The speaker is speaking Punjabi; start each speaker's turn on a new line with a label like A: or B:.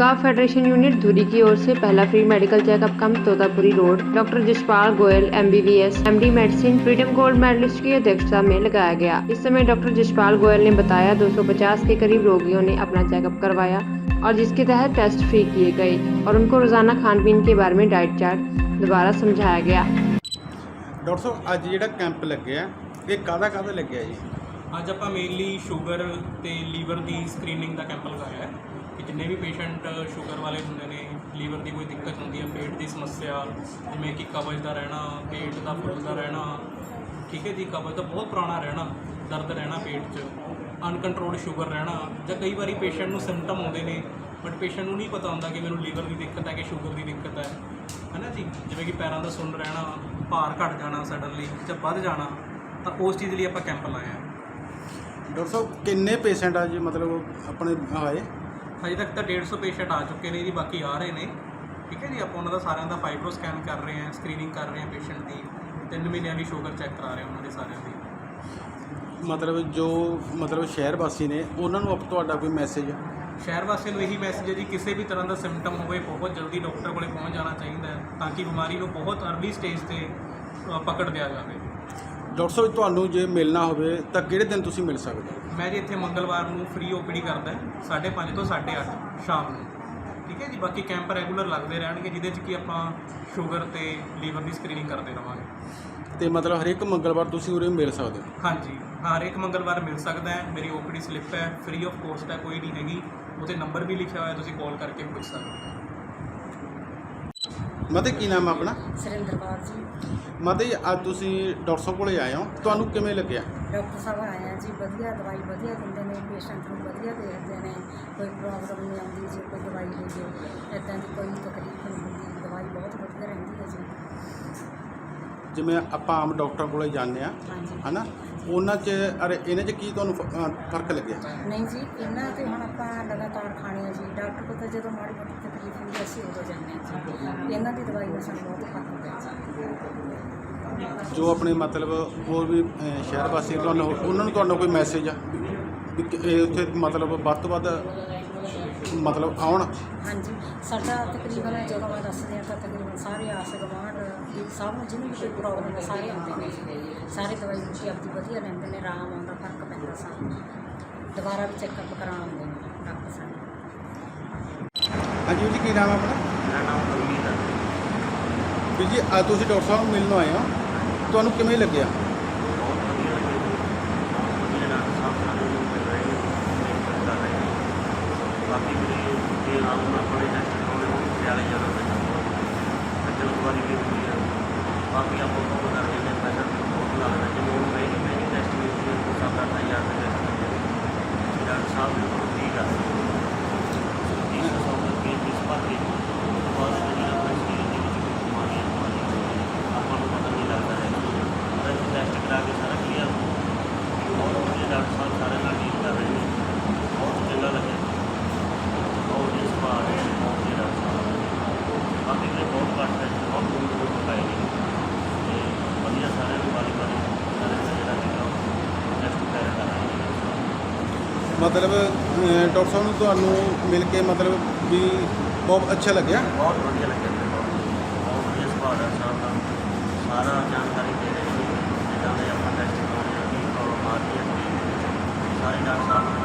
A: औकाफ फेडरेशन यूनिट धुरी की ओर से पहला free medical checkup camp Totapuri road doctor Jaspal Goyal MBBS MD medicine freedom gold medalist की अध्यक्षता में लगाया गया। इस समय डॉक्टर जसपाल गोयल ने बताया 250 के करीब रोगियों ने अपना चेकअप करवाया और जिसके तहत टेस्ट फ्री किए गए और उनको रोजाना खान पीन के बारे में डाइट चार्ट दोबारा समझाया गया।
B: डॉक्टर साहब अज जो कैंप लगे ये काहदा लगे जी?
C: ਅੱਜ ਆਪਾਂ ਮੇਨਲੀ ਸ਼ੂਗਰ ਤੇ ਲੀਵਰ ਦੀ ਸਕਰੀਨਿੰਗ ਦਾ ਕੈਂਪ ਲਗਾਇਆ ਹੈ ਕਿ ਜਿੰਨੇ ਵੀ ਪੇਸ਼ੈਂਟ ਸ਼ੂਗਰ ਵਾਲੇ ਹੁੰਦੇ ਨੇ, ਲੀਵਰ ਦੀ ਕੋਈ ਦਿੱਕਤ ਹੁੰਦੀ ਹੈ, ਪੇਟ ਦੀ ਸਮੱਸਿਆ ਜਿਵੇਂ ਕਿ ਕਬਜ਼ ਦਾ ਰਹਿਣਾ, ਪੇਟ ਦਾ ਫੁੱਲਦਾ ਰਹਿਣਾ, ਠੀਕ ਹੈ ਜੀ, ਕਬਜ਼ ਦਾ ਬਹੁਤ ਪੁਰਾਣਾ ਰਹਿਣਾ, ਦਰਦ ਰਹਿਣਾ ਪੇਟ 'ਚ, ਅਨਕੰਟਰੋਲਡ ਸ਼ੂਗਰ ਰਹਿਣਾ, ਜਾਂ ਕਈ ਵਾਰੀ ਪੇਸ਼ੈਂਟ ਨੂੰ ਸਿੰਪਟਮ ਆਉਂਦੇ ਨੇ ਬਟ ਪੇਸ਼ੈਂਟ ਨੂੰ ਨਹੀਂ ਪਤਾ ਹੁੰਦਾ ਕਿ ਮੈਨੂੰ ਲੀਵਰ ਦੀ ਦਿੱਕਤ ਹੈ ਕਿ ਸ਼ੂਗਰ ਦੀ ਦਿੱਕਤ ਹੈ ਨਾ ਜੀ। ਜਿਵੇਂ ਕਿ ਪੈਰਾਂ ਦਾ ਸੁੰਨ ਰਹਿਣਾ, ਭਾਰ ਘਟ ਜਾਣਾ ਸਡਨਲੀ ਜਾਂ ਵੱਧ ਜਾਣਾ, ਤਾਂ ਉਸ ਚੀਜ਼ ਲਈ ਆਪਾਂ ਕੈਂਪ ਲਾਇਆ।
B: डॉक्टर साहब किन्ने पेशेंट आज मतलब अपने आए?
C: ਅਜੇ ਤੱਕ ਤਾਂ 150 ਪੇਸ਼ੈਂਟ ਆ ਚੁੱਕੇ ਨੇ ਜੀ, ਬਾਕੀ ਆ ਰਹੇ ਨੇ। ਠੀਕ ਹੈ ਜੀ, ਆਪਾਂ ਉਹਨਾਂ ਦਾ ਸਾਰਿਆਂ ਦਾ ਫਾਈਬਰੋ ਸਕੈਨ ਕਰ ਰਹੇ ਹਾਂ, ਸਕਰੀਨਿੰਗ ਕਰ ਰਹੇ ਹਾਂ ਪੇਸ਼ੈਂਟ ਦੀ, 3 ਮਹੀਨਿਆਂ ਦੀ ਸ਼ੂਗਰ ਚੈੱਕ ਕਰਾ ਰਹੇ ਹਾਂ ਉਹਨਾਂ ਦੇ ਸਾਰਿਆਂ ਦੀ।
B: मतलब जो मतलब शहर वासी ने उन्होंने अब ਤੁਹਾਡਾ ਕੋਈ ਮੈਸੇਜ?
C: ਸ਼ਹਿਰ ਵਾਸੀਆਂ ਨੂੰ ਇਹੀ ਮੈਸੇਜ ਹੈ ਜੀ, ਕਿਸੇ ਵੀ ਤਰ੍ਹਾਂ ਦਾ ਸਿੰਪਟਮ ਹੋਵੇ ਬਹੁਤ ਜਲਦੀ ਡਾਕਟਰ ਕੋਲੇ ਪਹੁੰਚ ਜਾਣਾ ਚਾਹੀਦਾ ਹੈ ਤਾਂ ਕਿ ਬਿਮਾਰੀ ਨੂੰ ਬਹੁਤ ਅਰਲੀ ਸਟੇਜ 'ਤੇ ਪਕੜ ਲਿਆ ਜਾਵੇ।
B: ਡਾਕਟਰ ਸਾਹਿਬ ਤੁਹਾਨੂੰ ਜੇ ਮਿਲਣਾ ਹੋਵੇ ਤਾਂ ਕਿਹੜੇ ਦਿਨ ਤੁਸੀਂ ਮਿਲ ਸਕਦੇ ਹੋ?
C: ਮੈਂ ਜੀ ਇੱਥੇ ਮੰਗਲਵਾਰ ਨੂੰ ਫ੍ਰੀ OPD ਕਰਦਾ 5:30 ਤੋਂ 8:30 ਸ਼ਾਮ ਨੂੰ। ਠੀਕ ਹੈ ਜੀ, ਬਾਕੀ ਕੈਂਪ ਰੈਗੂਲਰ ਲੱਗਦੇ ਰਹਿਣਗੇ ਜਿਹਦੇ 'ਚ ਕਿ ਆਪਾਂ ਸ਼ੂਗਰ ਤੇ ਲੀਵਰ ਦੀ ਸਕਰੀਨਿੰਗ ਕਰਦੇ ਰਹਾਂਗੇ।
B: ਤੇ ਮਤਲਬ ਹਰੇਕ ਮੰਗਲਵਾਰ ਤੁਸੀਂ ਉਰੇ ਮਿਲ ਸਕਦੇ ਹੋ?
C: ਹਾਂਜੀ, ਹਰੇਕ ਮੰਗਲਵਾਰ ਮਿਲ ਸਕਦਾ ਹੈ। ਮੇਰੀ OPD ਸਲਿੱਪ ਹੈ, ਫ੍ਰੀ ਆਫ ਕੋਸਟ ਹੈ, ਕੋਈ ਨਹੀਂ ਹੈਗੀ, ਉਹਤੇ ਨੰਬਰ ਵੀ ਲਿਖਿਆ ਹੋਇਆ, ਤੁਸੀਂ ਕਾਲ ਕਰਕੇ ਪੁੱਛ ਸਕਦੇ ਹੋ।
B: ਮਤੇ ਕੀ ਨਾਮ ਹੈ ਆਪਣਾ?
D: ਸੁਰਿੰਦਰ ਕੌਰ ਜੀ।
B: ਮਤੇ ਅੱਜ ਤੁਸੀਂ ਡਾਕਟਰ ਸਾਹਿਬ ਕੋਲੇ ਆਏ ਹੋ, ਤੁਹਾਨੂੰ ਕਿਵੇਂ ਲੱਗਿਆ?
D: ਡਾਕਟਰ ਸਾਹਿਬ ਆਏ ਆ ਜੀ, ਵਧੀਆ ਦਵਾਈ ਵਧੀਆ ਦਿੰਦੇ ਨੇ, ਪੇਸ਼ੈਂਟ ਨੂੰ ਵਧੀਆ ਦੇਖਦੇ ਨੇ, ਕੋਈ ਪ੍ਰੋਬਲਮ ਨਹੀਂ ਆਉਂਦੀ ਜੀ, ਕੋਈ ਦਵਾਈ ਲੈ ਜਾਓ ਇੱਦਾਂ ਦੀ ਕੋਈ ਤਕਲੀਫ ਨਹੀਂ ਹੁੰਦੀ, ਦਵਾਈ ਬਹੁਤ ਵਧੀਆ ਰਹਿੰਦੀ ਹੈ ਜੀ।
B: ਜਿਵੇਂ ਆਪਾਂ ਆਮ ਡਾਕਟਰ ਕੋਲੇ ਜਾਂਦੇ ਆ
D: ਹਾਂਜੀ
B: ਹੈ ਨਾ, ਉਹਨਾਂ 'ਚ ਅਰੇ ਇਹਨਾਂ 'ਚ ਕੀ ਤੁਹਾਨੂੰ ਫਰਕ ਲੱਗਿਆ?
D: ਨਹੀਂ ਜੀ, ਇਹਨਾਂ ਤੇ ਹੁਣ ਆਪਾਂ ਲਗਾਤਾਰ ਖਾਣੇ ਆ ਜੀ। ਡਾਕਟਰ ਕੋਲ ਤਾਂ ਜਦੋਂ ਮਾੜੀ ਮੋਟੀ ਤਕਲੀਫ ਹੁੰਦੀ ਅਸੀਂ ਉਦੋਂ ਜਾਂਦੇ ਹਾਂ ਜੀ। ਇਹਨਾਂ ਦੀ ਦਵਾਈ ਨਾਲ ਸਾਨੂੰ ਬਹੁਤ ਫਰਕ ਪਿਆ ਜੀ।
B: ਜੋ ਆਪਣੇ ਮਤਲਬ ਹੋਰ ਵੀ ਸ਼ਹਿਰ ਵਾਸੀ ਤੁਹਾਨੂੰ ਉਹਨਾਂ ਨੂੰ ਤੁਹਾਡਾ ਕੋਈ ਮੈਸੇਜ ਆ ਵੀ ਇਹ ਉੱਥੇ ਮਤਲਬ ਵੱਧ ਤੋਂ ਵੱਧ ਮਤਲਬ ਆਉਣ?
D: ਹਾਂਜੀ, ਸਾਡਾ ਤਕਰੀਬਨ ਜਦੋਂ ਮੈਂ ਦੱਸਦੀ ਹਾਂ ਤਾਂ ਤਕਰੀਬਨ ਸਾਰੇ ਆਸ ਗੁਆਂਢ ਸਭ ਨੂੰ ਜਿਹਨੂੰ ਵੀ ਕੋਈ ਪ੍ਰੋਬਲਮ ਹੈ ਸਾਰੇ ਆਉਂਦੇ ਨੇ ਜੀ। ਸਾਰੇ ਦਵਾਈ ਬੂਟੀ ਆਪਦੀ ਵਧੀਆ ਲੈਂਦੇ ਨੇ, ਆਰਾਮ ਆਉਂਦਾ, ਫਰਕ ਪੈਂਦਾ ਸਾਨੂੰ, ਦੁਬਾਰਾ ਵੀ ਚੈੱਕਅਪ ਕਰਾਉਣ ਆਉਂਦੇ ਨੇ ਡਾਕਟਰ ਸਾਹਿਬ।
B: ਹਾਂਜੀ ਜੀ, ਕੀ ਨਾਮ ਹੈ ਆਪਣਾ?
E: ਮੇਰਾ ਨਾਮ ਗੁਰਮੀਤ ਹੈ।
B: ਵੀਰ ਜੀ ਅੱਜ ਤੁਸੀਂ ਡਾਕਟਰ ਸਾਹਿਬ ਨੂੰ ਮਿਲਣ ਆਏ ਹੋ, ਤੁਹਾਨੂੰ ਕਿਵੇਂ ਲੱਗਿਆ?
E: ਬਹੁਤ ਵਧੀਆ ਲੱਗੇ ਜੀ, ਬਹੁਤ ਵਧੀਆ ਡਾਕਟਰ ਸਾਹਿਬ ਸਾਨੂੰ ਮਿਲ ਰਹੇ ਨੇ, ਟ੍ਰੀਟਮੈਂਟ ਕਰ ਰਹੇ ਨੇ। ਬਾਕੀ ਮੇਰੇ ਜੇ ਆਪ ਨੂੰ ਆਪਣੇ ਟੈਸਟ ਕਰਾਉਣੇ ਹੋਣ ਪਟਿਆਲੇ ਜਾਣਾ ਪੈਂਦਾ, ਖੱਜਲ ਖੁਆਰੀ ਵੀ ਹੁੰਦੀ ਹੈ। ਬਾਕੀ ਆਪਾਂ ਉਹ ਕਰਦੇ ਨੇ, ਪੈਸਾ ਬਹੁਤ ਲੱਗਦਾ। ਜਿਵੇਂ ਹੁਣ ਮਹਿੰਗੀ ਟੈਸਟ ਵੀ ਹੁੰਦੀ ਹੈ, 7-8 ਹਜ਼ਾਰ ਦੇ ਟੈਸਟ ਹੁੰਦੇ ਨੇ। ਡਾਕਟਰ ਸਾਹਿਬ ਨੇ ਬਹੁਤ ਠੀਕ ਆ 300 ਰੁਪਏ ਫੀਸ ਭਰ ਕੇ ਉਸ ਤੋਂ ਬਾਅਦ ਜਿਹੜਾ ਆਪਣੇ ਸਰੀਰ ਦੇ ਵਿੱਚ ਕੋਈ ਬਿਮਾਰੀਆਂ ਆਪਾਂ ਨੂੰ ਪਤਾ ਨਹੀਂ ਲੱਗਦਾ ਹੈ। ਉਹਦਾ ਟੈਸਟ ਕਰਾ ਕੇ ਸਾਰਾ ਕਲੀਅਰ ਬਹੁਤ ਵਧੀਆ ਡਾਕਟਰ ਸਾਹਿਬ ਸਾਰੇ ਨਾਲ ਡੀਲ ਕਰ ਰਹੇ ਨੇ, ਬਹੁਤ ਚੰਗਾ ਲੱਗਿਆ। ਬਹੁਤ ਹੀ ਸੁਭਾਅ ਹੈ, ਬਹੁਤ ਹੀ ਡਾਕਟਰ ਸਾਹਿਬ। ਬਾਕੀ ਮੇਰੇ ਬਹੁਤ ਘੱਟ ਹੈ, ਬਹੁਤ ਦੂਰ ਦੂਰ ਤੋਂ ਆਏ ਨੇ ਅਤੇ ਵਧੀਆ ਸਾਰਿਆਂ ਨੂੰ ਵਾਰੀ ਸਾਰਿਆਂ ਦਾ ਜਿਹੜਾ ਹੈਗਾ ਟੈਸਟ ਵਗੈਰਾ ਕਰ ਰਹੇ ਨੇ।
B: ਮਤਲਬ ਡਾਕਟਰ ਸਾਹਿਬ ਨੂੰ ਤੁਹਾਨੂੰ ਮਿਲ ਕੇ ਮਤਲਬ ਵੀ ਬਹੁਤ ਅੱਛਾ ਲੱਗਿਆ?
E: ਬਹੁਤ ਵਧੀਆ ਲੱਗਿਆ ਮੈਨੂੰ, ਬਹੁਤ ਵਧੀਆ ਸੁਭਾਅ ਦਾ ਸਾਹਿਬ ਦਾ, ਸਾਰਾ ਜਾਣਕਾਰੀ ਦੇ ਰਹੇ ਨੇ ਜਿੱਦਾਂ ਦੇ ਆਪਾਂ ਟੈਸਟ ਕਰਾਉਣੇ ਆ, ਕੀ ਪ੍ਰੋਬਲਮ ਆ ਰਹੀ ਹੈ, ਸਾਰੇ ਡਾਕਟਰ ਸਾਹਿਬ